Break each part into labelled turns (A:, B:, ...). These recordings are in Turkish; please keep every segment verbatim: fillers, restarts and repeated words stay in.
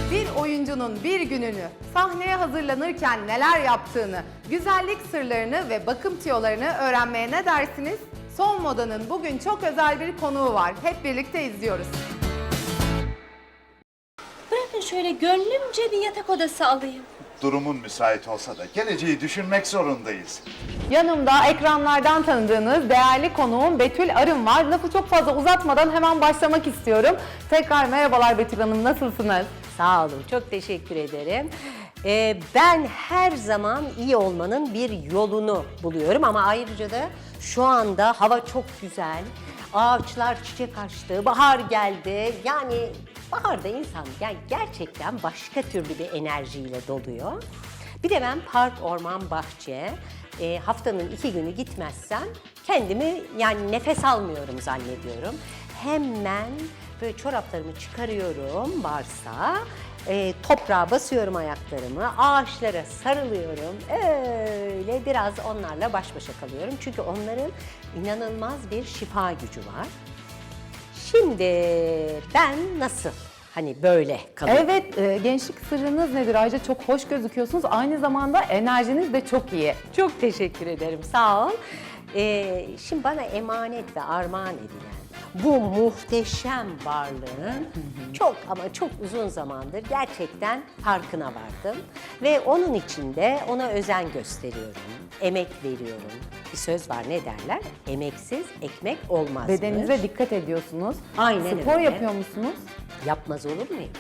A: Bir oyuncunun bir gününü, sahneye hazırlanırken neler yaptığını, güzellik sırlarını ve bakım tüyolarını öğrenmeye ne dersiniz? Son Moda'nın bugün çok özel bir konuğu var. Hep birlikte izliyoruz.
B: Bırakın şöyle gönlümce bir yatak odası alayım.
C: Durumun müsait olsa da geleceği düşünmek zorundayız.
A: Yanımda ekranlardan tanıdığınız değerli konuğum Betül Arın var. Lafı çok fazla uzatmadan hemen başlamak istiyorum. Tekrar merhabalar Betül Hanım, nasılsınız?
B: Sağ olun, çok teşekkür ederim. Ee, ben her zaman iyi olmanın bir yolunu buluyorum ama ayrıca da şu anda hava çok güzel. Ağaçlar çiçek açtı, bahar geldi. Yani baharda insan yani gerçekten başka türlü bir enerjiyle doluyor. Bir de ben park, orman, bahçe e, haftanın iki günü gitmezsem kendimi yani nefes almıyorum zannediyorum. Hemen böyle çoraplarımı çıkarıyorum varsa, e, toprağa basıyorum ayaklarımı, ağaçlara sarılıyorum. Öyle biraz onlarla baş başa kalıyorum. Çünkü onların inanılmaz bir şifa gücü var. Şimdi ben nasıl hani böyle kalıyorum?
A: Evet, e, gençlik sırrınız nedir? Ayrıca çok hoş gözüküyorsunuz. Aynı zamanda enerjiniz de çok iyi.
B: Çok teşekkür ederim, sağ ol. Ee, şimdi bana emanet ve armağan edilen bu muhteşem varlığın çok ama çok uzun zamandır gerçekten farkına vardım. Ve onun için de ona özen gösteriyorum, emek veriyorum. Bir söz var, ne derler? Emeksiz ekmek olmaz.
A: Bedeninize dikkat ediyorsunuz.
B: Aynen
A: Spor
B: öyle.
A: yapıyor musunuz?
B: Yapmaz olur muyum?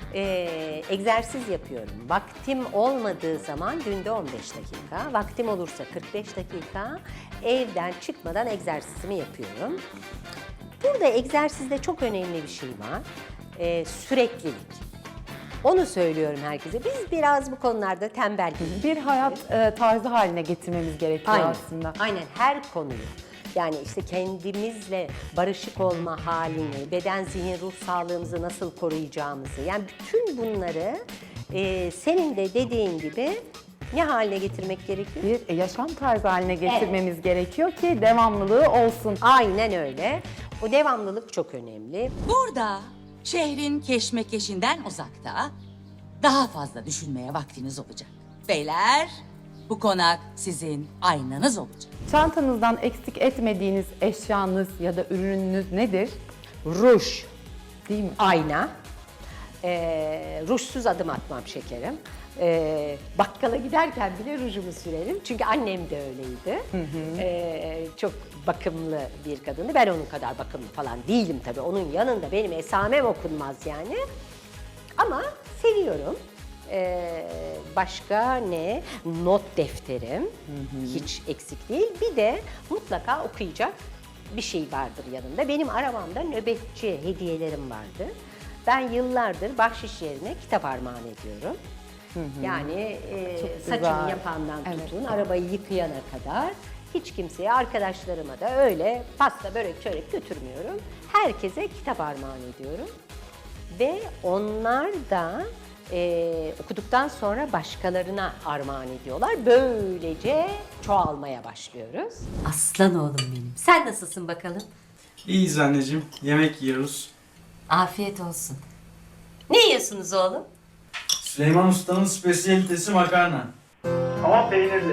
B: Ee, egzersiz yapıyorum. Vaktim olmadığı zaman günde on beş dakika, vaktim olursa kırk beş dakika evden çıkmadan egzersizimi yapıyorum. Burada egzersizde çok önemli bir şey var. Ee, süreklilik. Onu söylüyorum herkese. Biz biraz bu konularda tembel.
A: Bir hayat e, tarzı haline getirmemiz gerekiyor
B: Aynen.
A: aslında.
B: Aynen, her konuyu. Yani işte kendimizle barışık olma halini, beden, zihin, ruh sağlığımızı nasıl koruyacağımızı. Yani bütün bunları e, senin de dediğin gibi ne haline getirmek gerekiyor?
A: Bir yaşam tarzı haline getirmemiz gerekiyor ki devamlılığı olsun.
B: Aynen öyle. O devamlılık çok önemli.
D: Burada şehrin keşmekeşinden uzakta daha fazla düşünmeye vaktiniz olacak. Beyler, bu konak sizin aynanız olacak.
A: Çantanızdan eksik etmediğiniz eşyanız ya da ürününüz nedir?
B: Ruj,
A: Değil mi?
B: ayna, ee, rujsuz adım atmam şekerim. Ee, bakkala giderken bile rujumu sürerim. Çünkü annem de öyleydi. Hı hı. Ee, çok bakımlı bir kadındı. Ben onun kadar bakımlı falan değilim tabii. Onun yanında benim esamem okunmaz yani. Ama seviyorum. Ee, başka ne? Not defterim. Hı hı. Hiç eksik değil. Bir de mutlaka okuyacak bir şey vardır yanında. Benim arabamda nöbetçi hediyelerim vardı. Ben yıllardır bahşiş yerine kitap armağan ediyorum. Hı hı. Yani e, saçını yapandan
A: Evet.
B: tutun, arabayı yıkayana kadar hiç kimseye, arkadaşlarıma da öyle pasta, börek, çörek götürmüyorum. Herkese kitap armağan ediyorum. Ve onlar da e, okuduktan sonra başkalarına armağan ediyorlar. Böylece çoğalmaya başlıyoruz. Aslan oğlum benim. Sen nasılsın bakalım?
E: İyiyiz anneciğim. Yemek yiyoruz.
B: Afiyet olsun. Ne yiyorsunuz oğlum?
E: Süleyman Usta'nın spesiyalitesi makarna. Ama peynirli.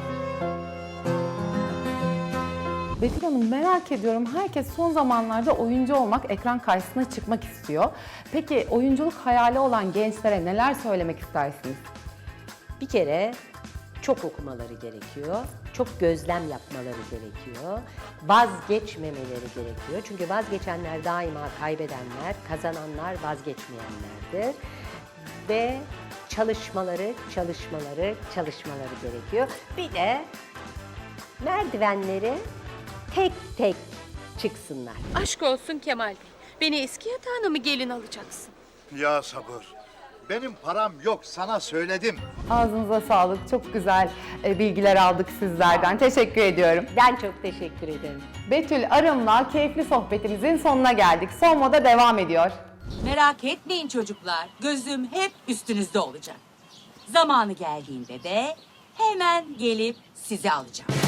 A: Betül Hanım, merak ediyorum. Herkes son zamanlarda oyuncu olmak, ekran karşısına çıkmak istiyor. Peki oyunculuk hayali olan gençlere neler söylemek istersiniz?
B: Bir kere çok okumaları gerekiyor, çok gözlem yapmaları gerekiyor, vazgeçmemeleri gerekiyor. Çünkü vazgeçenler daima kaybedenler, kazananlar vazgeçmeyenlerdir. Ve çalışmaları, çalışmaları, çalışmaları gerekiyor. Bir de merdivenleri tek tek çıksınlar.
F: Aşk olsun Kemal Bey. Beni eski yatağına mı gelin alacaksın?
C: Ya sabır. Benim param yok, sana söyledim.
A: Ağzınıza sağlık. Çok güzel e, bilgiler aldık sizlerden. Teşekkür ediyorum.
B: Ben çok teşekkür ederim.
A: Betül Arın'la keyifli sohbetimizin sonuna geldik. Son Moda devam ediyor.
D: Merak etmeyin çocuklar, gözüm hep üstünüzde olacak. Zamanı geldiğinde de hemen gelip sizi alacağım.